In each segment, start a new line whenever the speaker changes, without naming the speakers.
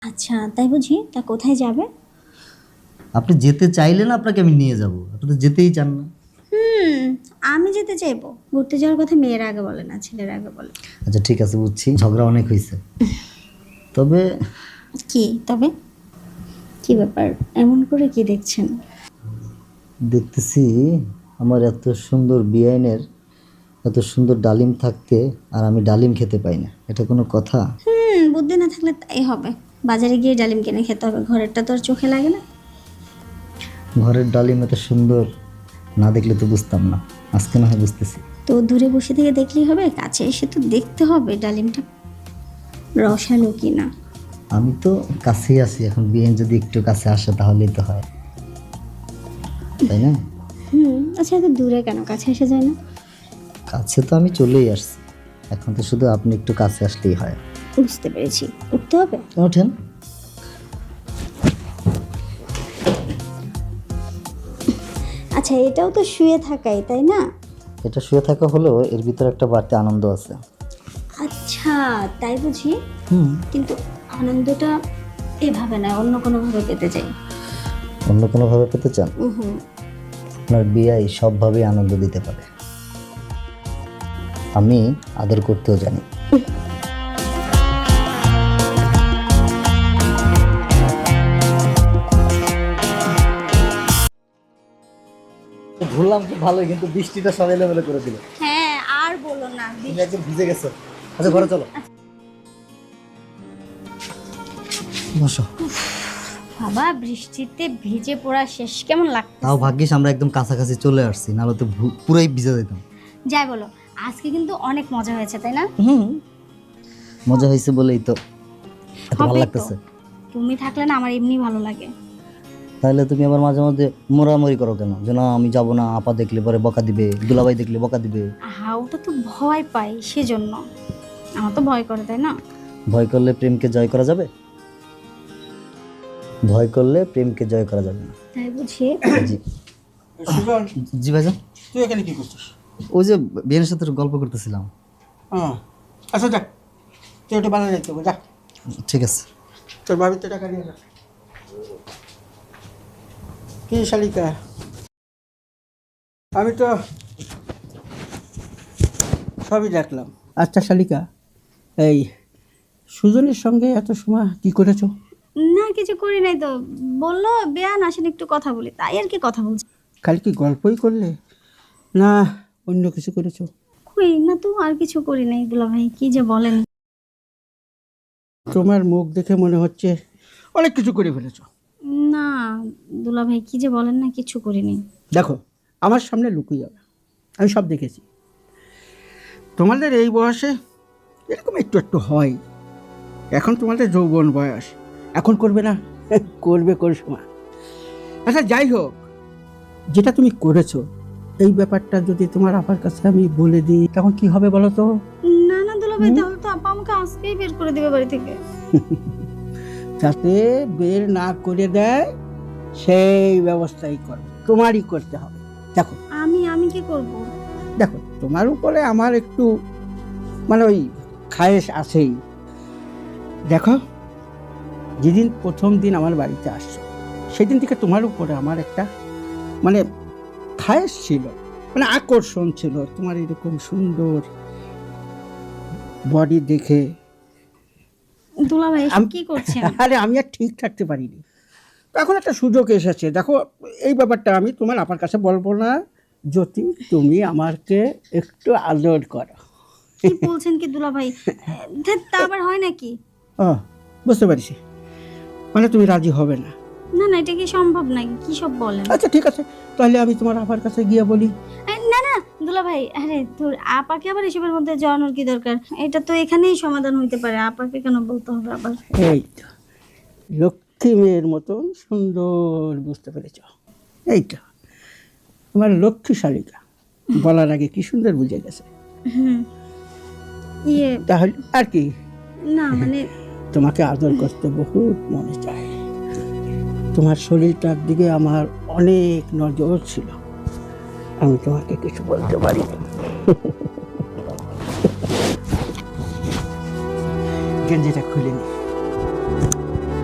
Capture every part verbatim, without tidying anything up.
আচ্ছা তাই বুঝি, তা কোথায় যাবে?
আপনি যেতে চাইলেন আপনাকে আমি নিয়ে যাব, আপনি তো যেতেই চান না।
হুম, আমি যেতে চাইবো? ঘুরতে যাওয়ার কথা মেয়ের আগে বলে না, ছেলের আগে বলে।
আচ্ছা ঠিক আছে, বুঝছি ঝগড়া অনেক হয়েছে, তবে
কি তবে? কি ব্যাপার, এমন করে কি দেখছেন?
দেখতেছি আমার এত সুন্দর বিয়াইনের এত সুন্দর ডালিম থাকতে আর আমি ডালিম খেতে পাই না, এটা কোনো কথা?
হুম, বুদ্ধি না থাকলে তাই হবে। বাজারে গিয়ে ডালিম কিনে খেতে হবে, ঘরেরটা তো আর চোখে লাগে না।
ঘরের ডালিম এত সুন্দর না দেখলে তো বুঝতাম না, আজকে না হয় বুঝতেছি।
তো দূরে বসে থেকে দেখলেই হবে, কাছে এসে তো দেখতে হবে ডালিমটা রসালো কিনা।
আমি তো কাছেই আছি, এখন বিয়াইন যদি একটু কাছে আসে তাহলেই তো হয়, তাই না?
হুম, আচ্ছা এত দূরে কেন, কাছে এসে যায় না?
কাছে তো আমি চলেই আসছি, এখন তো শুধু আপনি একটু কাছে আসলেই হয়।
বুঝতে পেরেছি, উঠতে হবে।
ওঠেন।
আচ্ছা এটাও তো শুয়ে থাকাই, তাই না?
এটা শুয়ে থাকা হলেও এর ভিতরে একটা বাড়তি আনন্দ আছে।
আচ্ছা তাই বুঝি,
হুম,
কিন্তু আনন্দটা এভাবে না, অন্য কোনোভাবে পেতে চাই।
অন্য কোনোভাবে পেতে চান?
হুম,
আপনার বিয়াই সবভাবেই আনন্দ দিতে পারে, আমি আদর করতেও জানি। ঘুরলাম খুব ভালোই, কিন্তু বৃষ্টিটা সব এলোমেলো করে দিল।
হ্যাঁ আর বলো না।
তুমি একদম ভিজে গেছো। আচ্ছা ঘরে চলো। বসো।
বাবা বৃষ্টিতে ভিজে পড়া শেষ, কেমন লাগতো?
তাও ভাগ্যিস আমরা একদম কাছাকাছি চলে আসছি, নাহলে তো ভু- পুরাই ভিজে যেতাম।
যাই বলো, আজকে কিন্তু অনেক মজা হয়েছে, তাই না?
হুম, মজা হয়েছে বলেই তো এত ভালো
হবে তো।
লাগতেছে।
তুমি থাকলে না আমার এমনি ভালো লাগে।
তাহলে তুমি আবার মাঝে মধ্যে মোরামরি করো কেন, যে না আমি যাবো না, আপা দেখলে পরে বকা দিবে, দুলাভাই দেখলে বকা দিবে।
হ্যাঁ ওটা তো ভয় পাই, সেজন্য। আমার তো ভয় করে, তাই না?
ভয় করলে প্রেমকে জয় করা যাবে? ভয় করলে প্রেমকে জয় করা যাবে না।
তাই বুঝি।
জি
সুজন,
জি ভাইজান।
তুই এখানে কি করছিস?
ওই যে বিয়ের সাথে একটু গল্প করতেছিলাম।
হ্যাঁ, আচ্ছা যা, তুই একটু বাজারে যাইতে হবে, যা।
ঠিক আছে।
তোর বাড়িতে টাকা নিয়ে যা। কি শালিকা, আমি তো সবই দেখলাম। আচ্ছা শালিকা, এই সুজনের সঙ্গে এত সময় কি করেছো?
না কিছু করি নাই তো, বললো বেয়ান আসেন একটু কথা বলি, তাই আর কি কথা বলছি।
খালি কি গল্পই করলে না অন্য কিছু করেছো?
কই না তো, আর কিছু করি নাই। দুলা ভাই কি যে বলেন।
তোমার মুখ দেখে মনে হচ্ছে অনেক কিছু করে ফেলেছো।
না দুলা ভাই কি যে বলেন না, কিছু করিনি।
দেখো, আমার সামনে লুকিয়ে যাবে, আমি সব দেখেছি। তোমাদের এই বয়সে এরকম একটু একটু হয়, এখন তোমাদের যৌবন বয়স, এখন করবে না? করবে কোন সময়? আচ্ছা যাই হোক, যেটা তুমি করেছো এই ব্যাপারটা যদি তোমার আপার কাছে আমি বলে দিই তখন কি হবে বলো তো?
না না দুলা ভাই, তাহলে তো আপা আমাকে আজকেই বের করে দিবে বাড়ি থেকে।
যাতে বের না করে দেয় সেই ব্যবস্থাই করো, তোমারই করতে হবে। দেখো
আমি আমি কি করব?
দেখো তোমার উপরে আমার একটু মানে ওই খায়েশ আছেই। দেখো, যেদিন প্রথম দিন আমার বাড়িতে আসছো সেদিন থেকে তোমার উপরে আমার একটা মানে খায়েশ ছিল, মানে আকর্ষণ ছিল, তোমার এরকম সুন্দর বডি দেখে।
দুলা ভাই এসব
আমি-
কি করছেন?
আরে আমি আর ঠিক থাকতে পারিনি, তো এখন একটা সুযোগ এসেছে। দেখো এই ব্যাপারটা আমি তোমার আপার কাছে বলবো না, যদি তুমি আমাকে একটু আদর করো।
কি বলছেন কি দুলা ভাই? ধ্যাৎ, তা আবার হয় নাকি?
ও বুঝতে পারছি, মানে তুমি রাজি হবে না।
না না, এটা কি সম্ভব নাকি? কি সব বলেন?
আচ্ছা ঠিক আছে, তাহলে আমি তোমার আপার কাছে গিয়ে বলি।
এ, না না দুলা ভাই, আরে তোর আপাকে আবার এসবের মধ্যে জড়ানোর কি দরকার? এটা তো এখানেই সমাধান হইতে পারে, আপাকে কেন বলতে হবে আবার?
এই তো লক্ষ্মী মেয়ের মতন সুন্দর, বুঝতে পেরেছ? এইটা আমার লক্ষ্মী শালিকা, বলার আগে কি সুন্দর বুঝে গেছে।
হুম, ইয়ে
তাহলে আর কি,
না মানে
তোমাকে আদর করতে বহুত মনে চায়। তোমার শরীরটার দিকে আমার অনেক নজর ছিল, আমি তোমাকে কিছু বলতে পারি না। গেঞ্জিটা খুলে নি।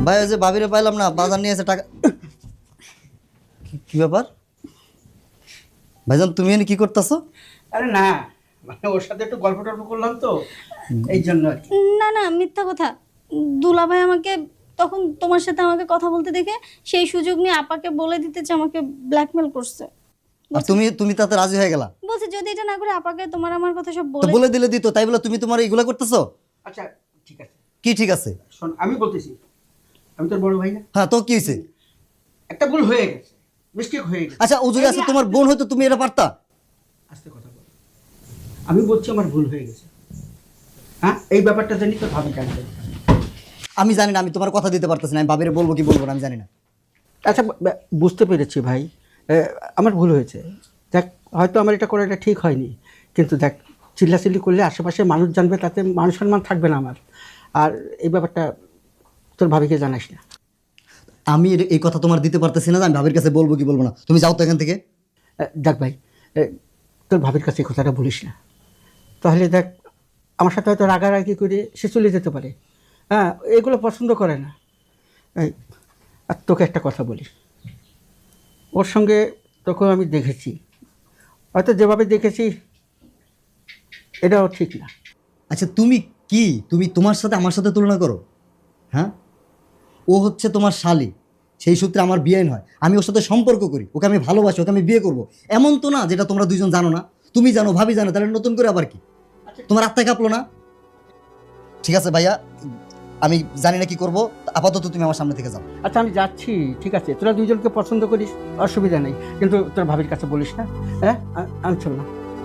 ভাই ওই যে ভাবিরে পাইলাম না, বাজার নিয়ে এসে টাকা। কি- কি ব্যাপার ভাইজান, তুমি এনে কি করতেছো?
আরে না, মানে ওর সাথে একটু গল্প টল্প করলাম তো, এই জন্য আর কি।
না না, মিথ্যা কথা। দুলাভাই আমাকে তখন তোমার সাথে আমাকে কথা বলতে দেখে সেই সুযোগ নিয়ে আপাকে বলে দিতে যে আমাকে ব্ল্যাকমেল করছে।
আর তুমি তুমি তাতে রাজি হয়ে গেলা?
বলছে যদি এটা না করে আপাকে তোমার আমার কথা সব
তো
বলে
বলে দিলে দিত, তাই বলে তুমি তোমার এইগুলা করতেছো?
আচ্ছা ঠিক আছে,
কি ঠিক আছে?
শোন আমি বলতেছি, আমি তোর বড় ভাই না,
হ্যাঁ, তো কি হয়েছে?
একটা ভুল হয়ে গেছে, মিস্টেক হয়ে গেছে।
আচ্ছা, ও যদি আছে তোমার বোন হয়তো তুমি এটা পারতা।
আস্তে কথা বল, আমি বলছি আমার ভুল হয়ে গেছে। হ্যাঁ, এই ব্যাপারটা জানি তোর ভাবি জানতে।
আমি জানি না, আমি তোমার কথা দিতে পারতেছি না, আমি ভাবিরে বলবো কি বলবো না আমি জানি না।
আচ্ছা ব- বুঝতে পেরেছি ভাই, এ, আমার ভুল হয়েছে। দেখ হয়তো আমার এটা করাটা ঠিক হয়নি, কিন্তু দেখ চিল্লাচিল্লি করলে আশেপাশে মানুষ জানবে, তাতে মান সম্মান থাকবে না আমার। আর এই ব্যাপারটা তোর ভাবিকে জানাস না।
আমি এর- এই কথা তোমার দিতে পারতেছি না যে আমি ভাবির কাছে বলবো কি বলবো না। তুমি যাও তো এখান থেকে।
এ, দেখ ভাই, এ, তোর ভাবির কাছে এই কথাটা বলিস না, তাহলে দেখ আমার সাথে হয়তো রাগারাগি করে সে চলে যেতে পারে। হ্যাঁ, এগুলো পছন্দ করে না। এই, আর তোকে একটা কথা বলি, ওর সঙ্গে তোকে আমি দেখেছি, হয়তো যেভাবে দেখেছি এটাও ঠিক না।
আচ্ছা, তুমি কি তুমি তোমার সাথে আমার সাথে তুলনা করো? হ্যাঁ, ও হচ্ছে তোমার শালি, সেই সূত্রে আমার বিয়ে হয়, আমি ওর সাথে সম্পর্ক করি, ওকে আমি ভালোবাসি, ওকে আমি বিয়ে করব। এমন তো না যেটা তোমরা দুইজন জানো না। তুমি জানো, ভাবি জানো, তাহলে নতুন করে আবার কি? তোমার আত্মায় কাঁপলো না? ঠিক আছে ভাইয়া, আমি জানি না কি করবো, আপাতত তুমি আমার সামনে থেকে যাও।
আচ্ছা আমি যাচ্ছি, ঠিক আছে, তোরা দুইজনকে পছন্দ করিস, অসুবিধা নেই, কিন্তু তোর ভাবির কাছে বলিস না। হ্যাঁ, আ- আমি চল না।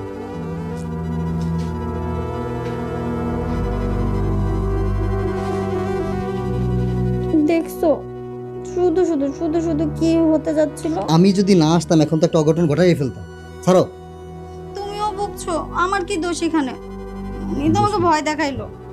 দেখছো শুধু শুধু শুধু শুধু কি হতে যাচ্ছিল।
আমি যদি না আসতাম এখন তো একটা অঘটন ঘটাই ফেলতাম। ছাড়ো।
তুমিও বকছো, আমার কি দোষ এখানে? উনি তো আমাকে ভয় দেখাইলো।